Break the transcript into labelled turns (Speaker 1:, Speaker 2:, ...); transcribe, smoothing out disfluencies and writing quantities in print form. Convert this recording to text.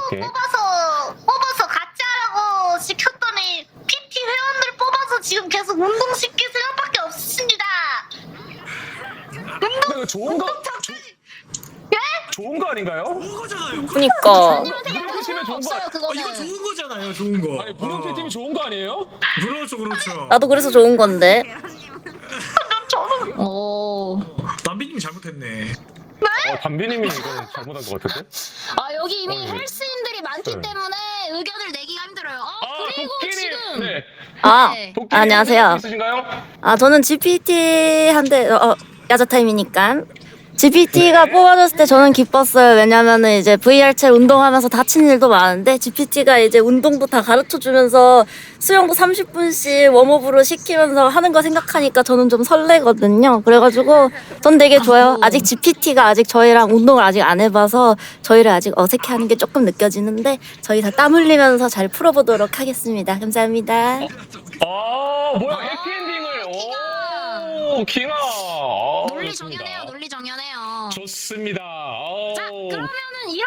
Speaker 1: 오케이.
Speaker 2: 뽑아서 같이 하라고 시켰더니 PT 회원들 뽑아서 지금 계속 운동시킬 생각밖에 없습니다.
Speaker 1: 이거 좋은 거 좋은 거 아닌가요?
Speaker 3: 좋은 거잖아요.
Speaker 4: 그니까
Speaker 1: 무릎 PT면 좋은 거.
Speaker 2: 없어요 그거는.
Speaker 3: 이거 좋은 거잖아요. 좋은 거.
Speaker 1: 아니 무릎 PT면 좋은 거 아니에요?
Speaker 3: 그렇죠, 그렇죠.
Speaker 4: 나도 그래서 좋은 건데.
Speaker 2: 오.
Speaker 3: 남비님 잘못했네.
Speaker 1: 담비님이 이거 잘못한 것 같은데?
Speaker 2: 아 여기 이미
Speaker 1: 네.
Speaker 2: 헬스인들이 많기
Speaker 1: 네.
Speaker 2: 때문에 의견을 내기가 힘들어요. 그리고
Speaker 1: 도끼님.
Speaker 2: 지금
Speaker 1: 네.
Speaker 4: 아,
Speaker 2: 네.
Speaker 1: 도끼님
Speaker 4: 안녕하세요.
Speaker 1: 있으신가요?
Speaker 4: 아 저는 GPT 한데 야자 타임이니까 GPT가
Speaker 1: 네.
Speaker 4: 뽑아줬을 때 저는 기뻤어요. 왜냐면은 이제 VR채 운동하면서 다친 일도 많은데 GPT가 이제 운동도 다 가르쳐 주면서 수영도 30분씩 웜업으로 시키면서 하는 거 생각하니까 저는 좀 설레거든요. 그래가지고 전 되게 좋아요. 아직 GPT가 아직 저희랑 운동을 아직 안 해봐서 저희를 아직 어색해하는 게 조금 느껴지는데 저희 다 땀 흘리면서 잘 풀어보도록 하겠습니다. 감사합니다.
Speaker 1: 뭐야 해피엔딩을. 오, 킹아.
Speaker 2: 논리 정연해요. 논리 정연해요.
Speaker 1: 좋습니다.
Speaker 2: 자 그러면은